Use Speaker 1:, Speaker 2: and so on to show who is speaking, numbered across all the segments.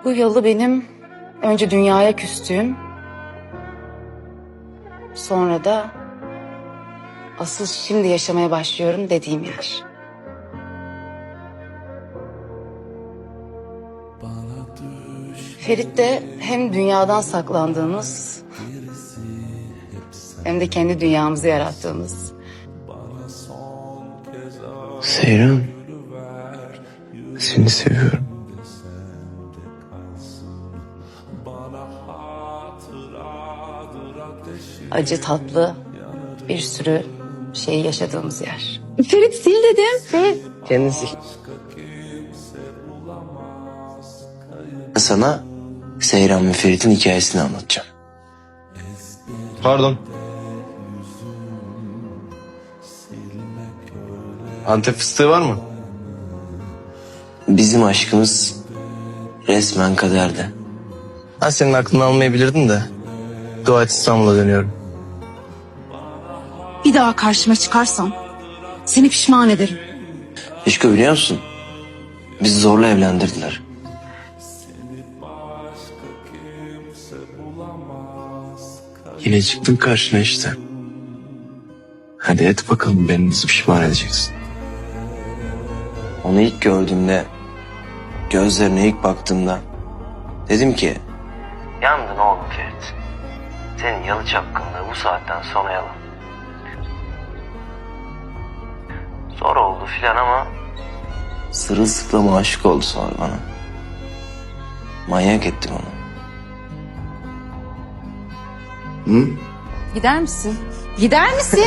Speaker 1: Bu yalı benim önce dünyaya küstüğüm, sonra da asıl şimdi yaşamaya başlıyorum dediğim yer. Ferit de hem dünyadan saklandığımız hem de kendi dünyamızı yarattığımız.
Speaker 2: Seyran, seni seviyorum.
Speaker 1: Acı tatlı bir sürü şey yaşadığımız yer.
Speaker 3: Ferit sil dedim. Ferit.
Speaker 2: Kendisi. Sana Seyran ve Ferit'in hikayesini anlatacağım. Pardon. Antep fıstığı var mı? Bizim aşkımız resmen kaderdi. Ben senin aklını almayabilirdim de. Dua et İstanbul'a dönüyorum.
Speaker 3: Bir daha karşıma çıkarsan seni pişman ederim.
Speaker 2: Eşko biliyor musun? Bizi zorla evlendirdiler. Yine çıktın karşına işte. Hadi et bakalım beni nasıl pişman edeceksin. Onu ilk gördüğümde, gözlerine ilk baktığımda dedim ki... Yandın oğlum Ferit. Senin yalı çapkınlığı bu saatten sonra yalan. Zor oldu filan ama... Sırılsıklam aşık oldu sonra bana. Manyak ettim onu. Hı?
Speaker 3: Gider misin? Gider misin?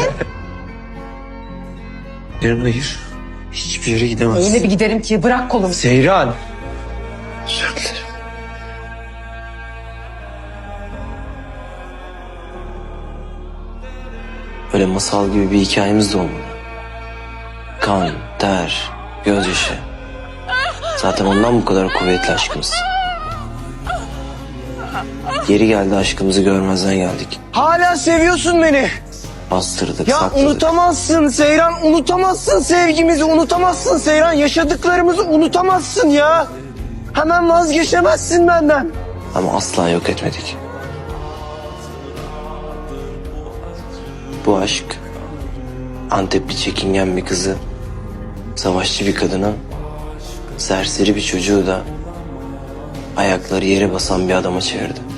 Speaker 2: Hayır. Hiçbir yere gidemezsin.
Speaker 3: Öyle bir giderim ki bırak kolumu.
Speaker 2: Seyran. Özür dilerim. Böyle masal gibi bir hikayemiz de olmalı. Kan, ter, gözyaşı. Zaten ondan bu kadar kuvvetli aşkımız. Geri geldi aşkımızı görmezden geldik.
Speaker 4: Hala seviyorsun beni.
Speaker 2: Bastırdık,
Speaker 4: Ya
Speaker 2: sakladık.
Speaker 4: unutamazsın Seyran, unutamazsın sevgimizi, unutamazsın Seyran. Yaşadıklarımızı unutamazsın ya. Hemen vazgeçemezsin benden.
Speaker 2: Ama asla yok etmedik. Bu aşk Antepli çekingen bir kızı, savaşçı bir kadını, serseri bir çocuğu da ayakları yere basan bir adama çevirdi.